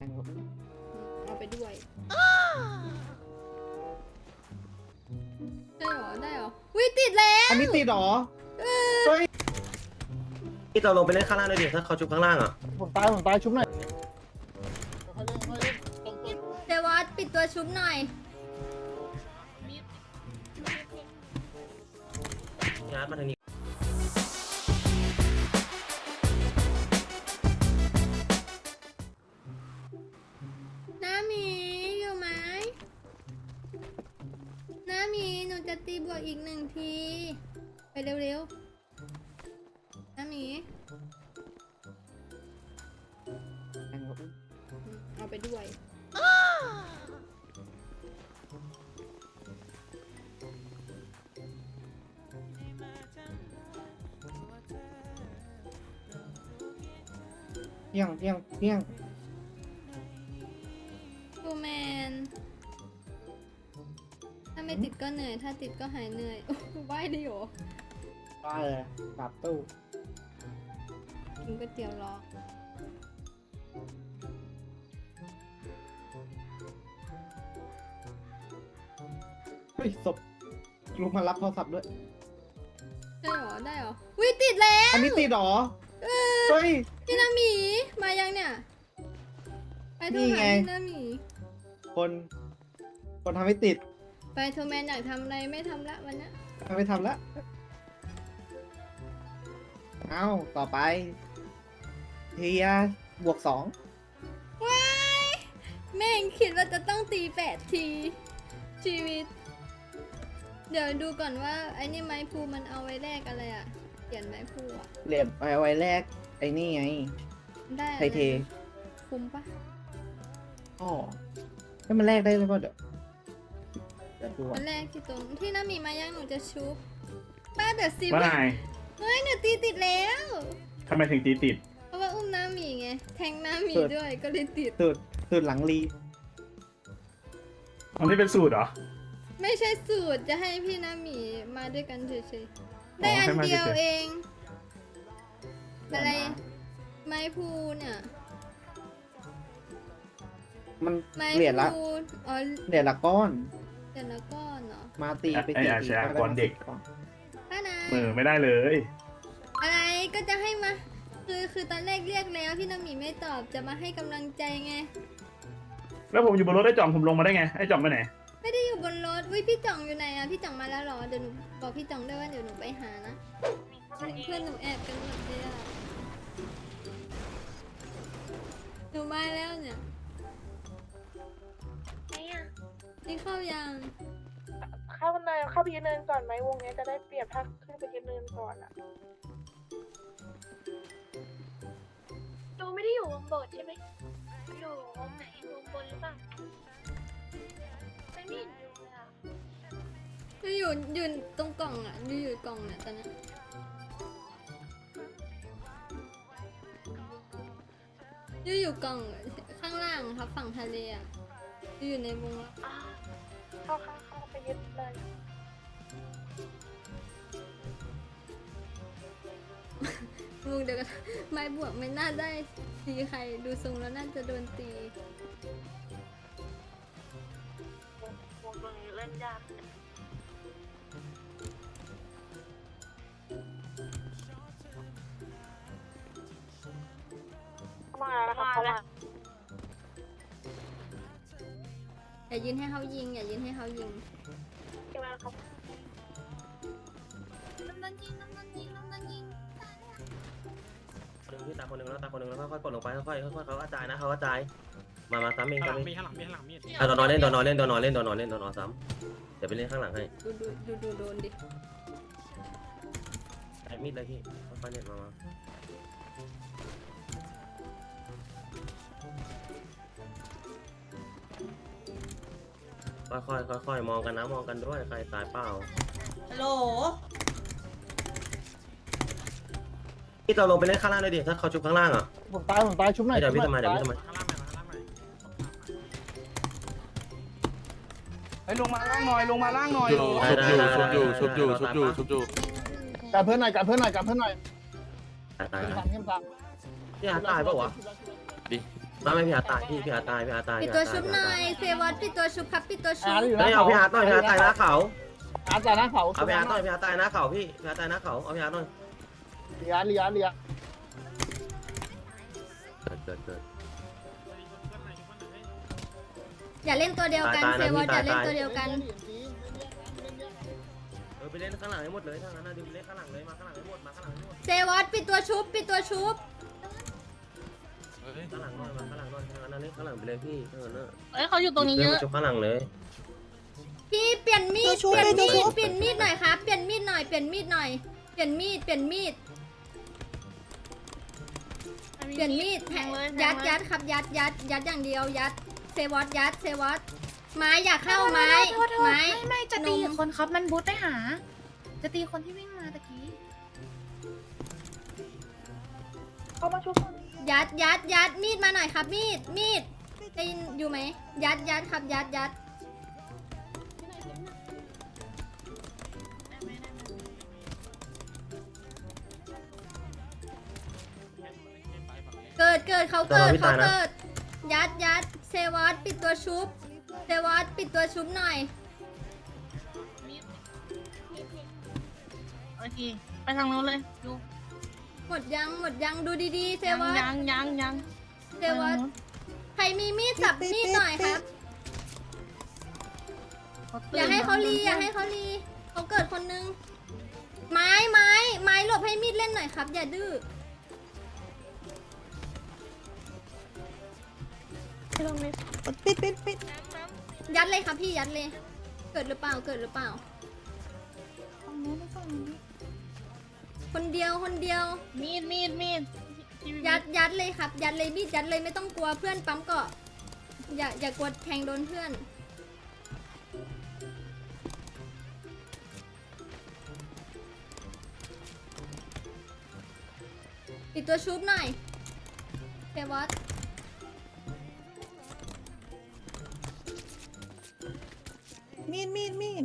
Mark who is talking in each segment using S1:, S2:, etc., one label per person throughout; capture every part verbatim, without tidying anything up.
S1: เอาไปด้วยได้หรอได้หรอวิติดแล้ว
S2: อันนี้ติดหรอ
S3: ที่เราลงไปเล่นข้างล่างเลยดิถ้าเขาชุบข้างล่างอ่ะ
S2: ผมตายผมตายชุบหน่อย
S1: เดวอสปิดตัวชุบหน่อย
S3: งานมาทางนี้
S1: น้าหมีอยู่ไหมน้าหมีหนูจะตีบวกอีกหนึ่งทีไปเร็วๆน้าหมีเอาไปด้วย
S2: เที่ยงเที่ยงเที่ยง
S1: ทูแมนถ้าไม่ติดก็เหนื่อยถ้าติดก็หายเหนื่อยโอ้ไหวดิโอ
S2: ได้เลยกลับตู้
S1: กินก๋วยเตี๋ยวรอ
S2: เฮ้ยศพลุกมารับโทรศัพท์ด้วย
S1: ได้หรอได้หรอวิติดแล้ว
S2: อันนี้ติดหรอเฮ้ย
S1: พี่นาหมีมายังเนี่ยไปโทร
S2: นี่
S1: หา
S2: ไง
S1: พี่นาหมี
S2: คนคนทำให้ติด
S1: ไปโทรแมนอยากทำอะไรไม่ทำละวันนี้
S2: ไม่ทำละเอ้าต่อไปเทียบวกสอง
S1: ว้ายแม่งคิดว่าจะต้องตีแปดทีชีวิต เดี๋ยวดูก่อนว่าไอ้นี่ไม้พูมันเอาไว้แลกอะไรอ่ะเขียนไม้พูอ่ะ
S2: เหรียญไปไว้แรกไอ้นี่ไง
S1: ได้อะไร
S2: ไทเท
S1: คุ้มปะ
S2: อ๋อให้มันแลกได้หรือเปล่าเดี๋ยวเดี๋ยวดู
S1: อั
S2: อ่ะ
S1: นแรกที่ตรงที่น้าหมีมายังหนูจะชุบป้าเดี๋ยวซิ
S4: ว่าไง
S1: เฮ้ยหนูตีติดแล้ว
S4: ทำไมถึงตีติด
S1: เพราะว่าอุ้มน้าหมีไงแทงน้าหมีด้วยก็เลยติด
S2: สุดสุดหลังรี
S4: มันไม่เป็นสูตรเหรอ
S1: ไม่ใช่สูตรจะให้พี่น้าหมีมาด้วยกันเฉยๆ
S4: อ๋อ
S1: ได้อัน
S4: ให้มา
S1: เดียว
S4: เฉยๆ
S1: เองอะไรไม้พูเนี่ย
S2: มัน
S1: ไม้
S2: เหรียญละ
S1: พูอ๋อ
S2: เหรียญละก้อน
S1: เดี๋ยวละก้อนเนาะ
S2: มาตีไป
S4: ไอ้
S2: ตี
S4: อาชญากรเด็ก
S1: ป้านะ
S4: มือไม่ได้เลย
S1: อะไรก็จะให้มาคือคือตอนแรกเรียกแล้วพี่น้าหมีไม่ตอบจะมาให้กำลังใจไง
S4: แล้วผมอยู่บนรถไอ้จ่องผมลงมาได้ไงไอ้จ่องไปไหน
S1: ไม่ได้อยู่บนรถอุ้ยพี่จ่องอยู่ไหนอะพี่จ่องมาแล้วเหรอเดี๋ยวหนูบอกพี่จ่องด้วยว่าเดี๋ยวหนูไปหานะเพื่อนหนูแอบกันหมดเลยอะหนูมาแล้วเนี่ย
S5: ไหนอ่ะ
S1: นี่เข้ายัง
S5: เข้าเนินเข้าไปยืนเนินก่อนไหมวงเนี้ยจะได้เปรียบถ้าขึ้นไปยืนเนินก่อนอ่ะดูไม่ได้อยู่วงโบสถ์ใช่ไหมอยู่วงไหนวงบนหรือเปล่าไม่เห็นอยู่เลยอ่ะ
S1: อยู่อยู่อยู่ตรงกล่องอะอยู่อยู่กล่องเนี่ยตอนเนี้ยอยู่อยู่กล่องข้างล่างครับฝั่งทะเลอะอยู่อยู่ในวงละ
S5: อ่าเข้าเข้าเข้าไปยืนเนิน
S1: วงเดียวกันไม้บวกไม่น่าได้ตีใครดูทรงแล้วน่าจะโดนตี
S5: วงวงตรงนี้เล่นยากมาแล้วนะคะเขามา
S1: อย่ายืนให้เขายิงอย่ายืนให้เขายิง
S5: ใช่ไหมครับ
S1: น้ำนันยิงน้ำนันยิงน้ำนันยิง
S3: คนหนึ่งที่ตาคนหนึ่งแล้วตาคนหนึ่งแล้วค่อยๆกดลงไปค่อยๆค่อยๆเขากระจายนะเขากระจายมามาซ้ำเอง
S6: ข้างหลั
S3: ซ้ำ
S6: ง
S3: เอง
S6: มีข้างหลังมีข้างหลังมี
S3: อ่ะตัวนอนเล่นตัวนอนเล่นตัวนอนเล่นตัวนอนเล่นตัวนอนเล่นตัวนอนซ้ำเดี๋ยวไปเล่นข้างหลังให้
S1: ดูดูดูดูโดนดิ
S3: ไอ้มีดเลยพี่ค่อยๆเล่นมามาค่อยๆค่อยๆมองกันนะมองกันด้วยใครตายเปล่า
S7: ฮัลโหล
S3: ที่เราลงไปเล่นข้างล่างเลยดิถ้าเขาชุบข้างล่างอ่ะ
S2: ผมตายผมตายชุบหน่อย
S3: เดี๋ยวพี่ทำไมเดี๋ยวพี่ทำไม
S6: ข้างล่างหน่อยข้างล่างหน่อย
S8: เฮ้ยลงมาล่างหน่อยลงมาล่างหน่อย
S3: ชุบอยู่ชุบอยู่ชุบอยู่ชุบอยู่
S2: การเพื่อนหน่อยการเพื่อนหน่อยการเพื่อนหน่อย
S3: ตายตาย
S2: เข้ม
S3: ตาย
S2: ตามเข้มตาม
S3: พี่หาตายเปล่าวะ
S2: ช
S3: ไม่ไม่พี่อาตายพี่พี่อาตายพี่อาตาย
S1: ปิดตัวชุบหน่อยเซวอตปิดตัวชุบครับปิดตัวชุบ
S3: ไม่เอาพี่อาต่อยพี่อาตายนะเขา
S2: อาร์ตนะเขา
S3: เอาพี่อาต่อยพี่อาตายนะเขาพี่พี่อาตายนะเขาเอาพี่อาต่อย
S2: เลียเลียเลีย
S3: เกิดเกิดเกิด
S1: อย่าเล่นตัวเดียวกัน
S3: ตายๆนะ
S1: เซวอต
S3: พี่
S1: อย่าเล่น
S3: ตายๆ
S1: ตัวเดียวกัน
S3: เออไปเล่นข้างหลังให้หมดเลยถ้างั้นนะดิไปเล่นข้างหลังเลยมาข้างหลังให้หมดมาข้างหลังให้หมด
S1: เซวอตปิดตัวชุบปิดตัวชุบ
S3: ข้างหลังหน่อยมาข้างหลังหน่อยข้างหลังนั่นนี่ข้างหลังไปเลยพี่เออเนอะ
S5: เอ้ยเขาอยู่ตรงนี้เยอะ
S3: จบข้างหลังเลย
S1: พี่เปลี่ยนมีดเปลี่ยนมีดเปลี่ยนมีดหน่อยครับเปลี่ยนมีดหน่อยเปลี่ยนมีดหน่อยเปลี่ยนมีดเปลี่ยนมีดเปลี่ยนมีด
S5: แทงเลย
S1: ยัดยัดครับยัดยัดยัดอย่างเดียวยัดเซวอตยัดเซวอตไม้อย่าเข้าไม้
S6: โทษโทษ
S1: ไม้
S6: ไม่ไม่จะตี
S1: นม
S6: คนครับมันบูทไปหา จะตีคนที่วิ่งมาตะกี้
S5: เขามาชุบ
S1: ยัดยัดยัดมีดมาหน่อยครับมีดมีดได้ยินอยู่ไหมยัดยัดครับยัดยัดเกิดเกิดเขาเกิดเขาเกิดยัดยัดเซวอตปิดตัวชุบเซวอตปิดตัวชุบหน่อย
S5: โอเคไปทางโน้นเลยดู
S1: หมดยังหมดยังดูดีๆเซ
S5: ยัง
S1: วอต
S5: ยังยังยัง
S1: เซวอตใครมีมีดสับมีดหน่อยครับอย่าให้เขาลีอย่าให้เขาลีเขาเกิดคนนึงไม้ไม้ไม้หลบให้มีดเล่นหน่อยครับ อย่าดื้อ
S6: ปิดปิดปิด
S1: ยัดเลยครับพี่ยัดเลย เกิดหรือเปล่าเกิดหรือเปล่า
S6: ฝั่งนู้นไม่ฝั่งนี้
S1: คนเดียวคนเดียว
S5: มีดมีดมีด
S1: ยัดยัดเลยครับ ยัดเลยมีดยัดเลยไม่ต้องกลัวเพื่อนปั๊มเกาะอย่าอย่ากลัวแทงโดนเพื่อนปิดตัวชุบหน่อยเซวอต
S6: มีดมีดมีด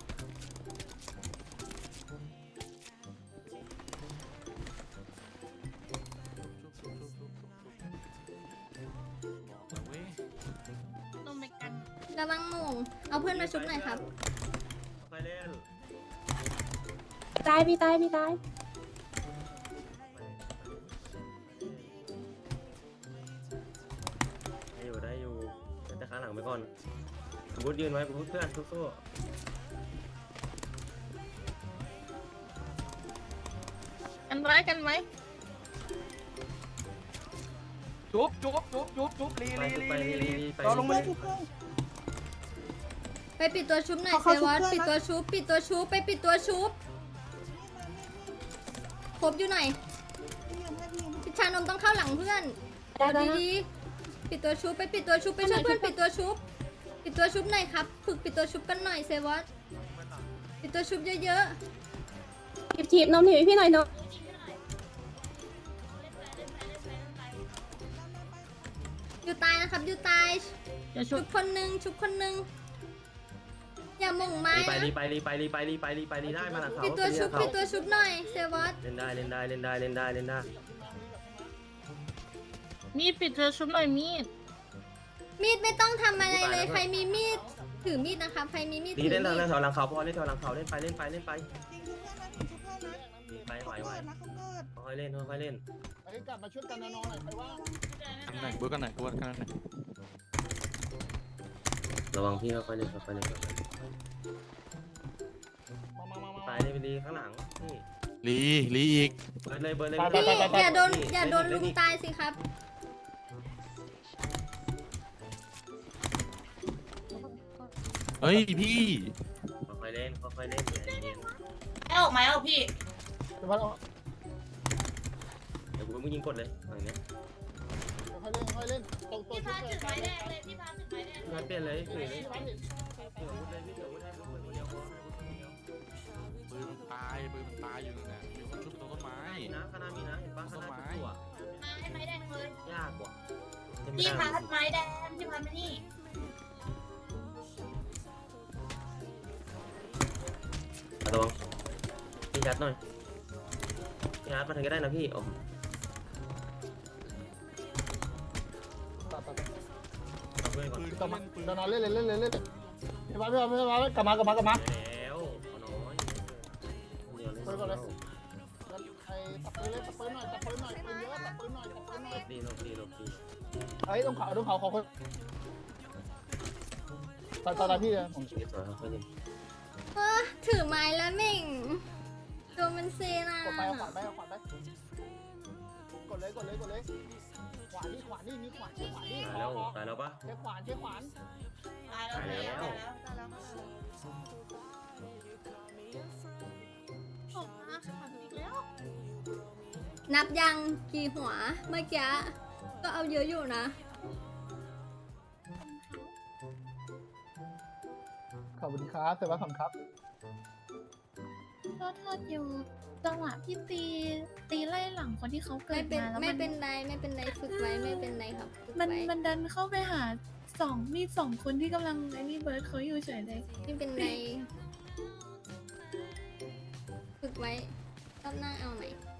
S5: ลงไปกัน
S1: ระวังหม่งเอาเพื่อนมาชุบหน่อยครับ
S3: ไปเล่น
S6: ตายพี่ตายพี่ตาย
S3: ได้อยู่ได้อยู่แต่ข้างหลังไปก่อนบูธยืนไว้บูธเพื่อนสู้
S5: กันไว้กันไว้
S8: จุ๊บจุ๊บจุ๊บจุ๊บจุ๊บลี
S3: ๆไป
S8: ลี
S3: ไป
S8: ลี
S3: ลี
S8: ลี
S3: ลีไป
S8: รอลงมา
S1: ไปปิดตัวชุบหน่อยเซวอตปิดตัวชุบปิดตัวชุบไปปิดตัวชุบครบอยู่หน่อยพิชานมต้องเข้าหลังเพื่อนเอาดีๆปิดตัวชุบไปปิดตัวชุบไปช่วยเพื่อนปิดตัวชุบปิดตัวชุบหน่อยครับฝึกปิดตัวชุบกันหน่อยเซวอตปิดตัวชุบเยอะ
S6: ถีบถีบนมถีบพี่หน่อยนม
S1: ๆอยู่ตายนะครับอยู่ตาย
S5: เดี๋ยวชุ
S1: ชุ
S5: บบ
S1: คนนึงชุบคนนึงอย่าหม่งไม้
S3: ลีไปลี
S1: นะ
S3: ไปลีไปลีไปลีไปลีไปลีได้มาหลังเขา
S1: ปิดตัวชุบ
S3: เขา
S1: ปิดตัวชุบหน่อยเซวอต
S3: เล่นได้เล่นได้เล่นได้เล่นได้เล่นได้
S5: มีดปิดเธอชุบหน่อยมีด
S1: มีดไม่ต้องทำอะไรเลยใครมีมีดถือมีดนะครับใครมีมีด
S3: ลี
S1: ถือ
S3: เล่น
S1: มี
S3: ทาง
S1: ด
S3: แถวหลังเขาพอเล่นแถวหลังเขาเล่นไปเล่นไปเล่นไปลีไปไหวไหวค่อยเล่นค่อยเล่น
S2: ไปกลับมาช่วยกันนะน้องหน่อยไปว่า
S8: กันไหนบู๊กันไหนบู๊กันไหน
S3: ระวังพี่ค่อยเล่นค่อยเล่น
S2: มามามา
S3: ไปเลยไปลีข้างหลังนี่
S8: ลีลีอีก
S3: เบิร์ดเลยเบิร์ดเลย
S1: พี่อย่าโดนอย่าโดนลุมตายสิครับ
S8: เฮ้ยพี่
S3: ค่อยเล่นค่อยเล่นใจเย็น
S6: ไอ้ออกไหมเอาพี่
S3: เดี๋ยวกูมึงยิงกดเลยอย่างเงี้ย
S2: ค่อยเล่นค่อยเล่นตรงตัวชุดเลย
S3: งั้นเปลี่ยนเลยเปลี่ยนเลยเปลี่ยนอาวุธเลยพี่เปลี่ยนอาวุธให้ลูกคนเดียวพอให้ลูกคนเดียว
S8: ปืนมันตายปืนมันตายอยู่นั่นแหละมีคนชุบตรงต้นไม้
S3: มีนะคณะมีนะเห็นปะคณะทุกตัวยากกว่า
S6: พี่พัดไม้แดงพี่พัดมานี่
S3: ระวังพี่ยัดหน่อยพี่ยัดมาทางก็ได้นะพี่โอ้
S2: ต
S3: ก่อน
S7: กลับมาเดี๋ยวนอนเล่นเล่นเล่นเล่นเล่นพี่มาพี่มาพี่มากลับมากลับมากลับมา
S3: แล้วเอาน้อยเดี๋ยว
S7: ไปก่อนเลยแล้วไอ้ตับปืนเลยตับปืนหน่อยตับปืนหน่อยปืนเยอะตับปืนหน่อยตับปืนหน่อย
S3: ดีลบดีลบดี
S7: ไอ้ตรงเขาตรงเขาขอคนตอนตอนพี่เลยผม
S3: สวยครับเพื่อน
S1: เออถือไม้แล้วเม่งตัวมันเซนะ
S7: กดไปเอาขวานไปเอาขวานไปกดเลยกดเลยกดเลยขวานนี่ขวานนี่มีขวานใช้ขวานนี่
S3: ตายแล้วตายแล้วปะ
S7: ใช้ขวานใช้ขวาน
S6: ตายแล้ว
S3: ตายแล้ว
S6: ตายแล้วผมนะขำอีกแล้ว
S1: นับยังกี่หัวเมื่อกี้ก็เอาเยอะอยู่นะ
S7: ขอบคุณครับเสร็จแล้วขอบคุณครับ
S6: โทษโทษอยู่จังหวะที่ตีตีไล่หลังคนที่เขาเกิ
S1: ไม่
S6: ด
S1: เป็น
S6: มาแล้ว
S1: ไม่
S6: มัน
S1: เป็นไรไม่เป็นไรฝึกไว้ไม่เป็นไรครับฝึก
S6: มัน
S1: ไว้
S6: มันดันเข้าไปหาสองมีสองคนที่กำลังไอ้นี่เบิร์ดเขาอยู่เฉยเลย
S1: ไม่เป็นไรฝึกไว้รอบหน้าเอาใหม่